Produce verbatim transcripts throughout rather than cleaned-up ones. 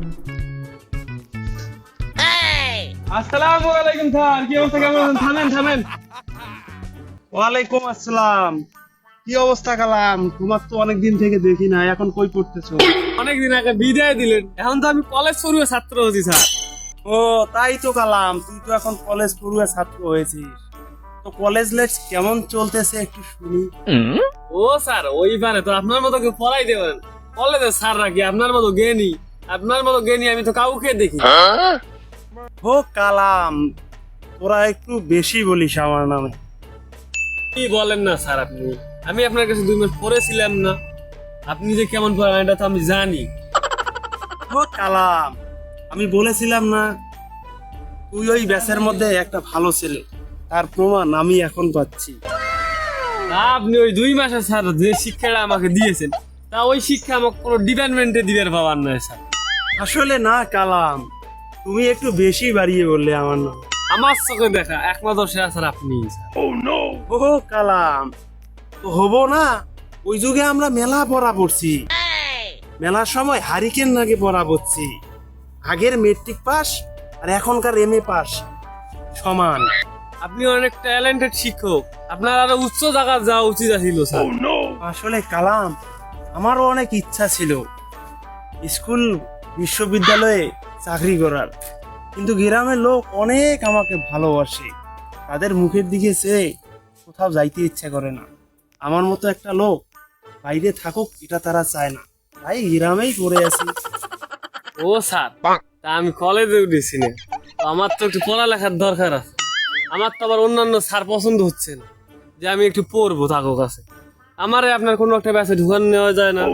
আসসালামু আলাইকুম স্যার, কি অবস্থা, কেমন আছেন? থামেন থামেন। ওয়ালাইকুম আসসালাম। কি অবস্থা কালাম? তোমার তো অনেকদিন থেকে দেখি না, এখন কই পড়তেছো? অনেকদিন আগে বিদায় দিলেন, এখন তো আমি কলেজ পড়ুয়া ছাত্র হচ্ছি স্যার। ও তাই তো কালাম, তুই তো এখন কলেজ পড়ুয়া ছাত্র হয়েছিস। তো কলেজ লাইফ কেমন চলতেছে একটু শুনি। ও স্যার, ওইবারে তো আপনার মতো কেউ পড়াই দেবেন কলেজের স্যার রাখি, আপনার মতো জ্ঞানী, আপনার মতো জ্ঞানী আমি তো কাউকে দেখি। ও কালাম, তোরা একটু বেশি বলিস আমার নামে। কি বলেন না স্যার আপনি? আমি আপনার কাছে দুই মাস পড়েছিলাম না, আপনি যে কেমন পড়ান এটা তো আমি জানি। ও কালাম, আমি বলেছিলাম না তুই ওই ব্যাচের মধ্যে একটা ভালো ছেলে, তার প্রমাণ আমি এখন পাচ্ছি। তা আপনি ওই দুই মাসে স্যার যে শিক্ষাটা আমাকে দিয়েছেন, তা ওই শিক্ষা আমাকে কোনো ডিপার্টমেন্টে দিবার পাবার নয় স্যার। আসলে না কালাম, তুমি একটু বেশি বাড়িয়ে বললে আমার নাম। আমার চোখে দেখা একমাত্র সেরা স্যার আপনি। ও কালাম, তো হবো না? ওই যুগে আমরা মেলা পড়া পড়ছি, মেলার সময় হারিকেন নাকি পড়া পড়ছি। আগের মেট্রিক পাস আর এখনকার এম এ পাস সমান। আপনি অনেক ট্যালেন্টেড শিক্ষক, আপনার আরো উচ্চ জায়গা যাওয়া উচিত ছিল স্যার। আসলে কালাম, আমারও অনেক ইচ্ছা ছিল স্কুল বিশ্ববিদ্যালয়ে চাকরি করার, কিন্তু গ্রামের লোক অনেক আমাকে ভালোবাসে, তাদের মুখের দিকে চেয়ে কোথাও যাইতে ইচ্ছা করে না। আমার মতো একটা লোক বাইরে থাকুক এটা তারা চায় না, তাই গ্রামেই পড়ে আছি। ও স্যার, তা আমি কলেজে উঠেছি না, তো আমার তো একটু পড়ালেখার দরকার আছে। আমার তো আবার অন্যান্য স্যার পছন্দ হচ্ছে না যে আমি একটু পড়বো থাকো কাছে, আমারে আপনার কোনো একটা ব্যাচে ঢুকান নেওয়া যায় না।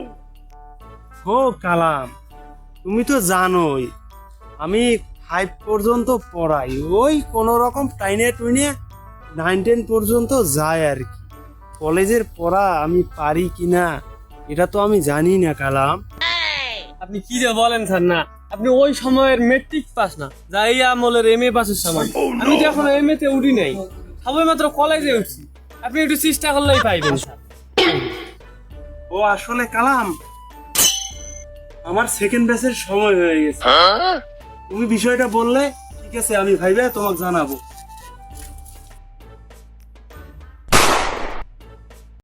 ও কালাম, তুমি তো জানোই আমি ফাইভ পর্যন্ত পড়াই, ওই কোনো রকম টাইনে টুইনে নাইন টেন পর্যন্ত যায় আর কি। কলেজের পড়া আমি পারি কিনা এটা তো আমি জানি না কালাম। আপনি কি যে বলেন স্যার, না আপনি ওই সময়ের মেট্রিক পাস না, যা এই আমলের এম এ পাসের সময়। আমি তো এখন এম এ তে উঠি নাই, সবাই মাত্র কলেজে উঠছি। আপনি একটু চেষ্টা করলেই পাইবেন স্যার। ও আসলে কালাম, আমার সেকেন্ড ব্যাচের সময় হয়ে গেছে। তুমি বিষয়টা বললে ঠিক আছে, আমি ভাইবা তোমাকে জানাবো।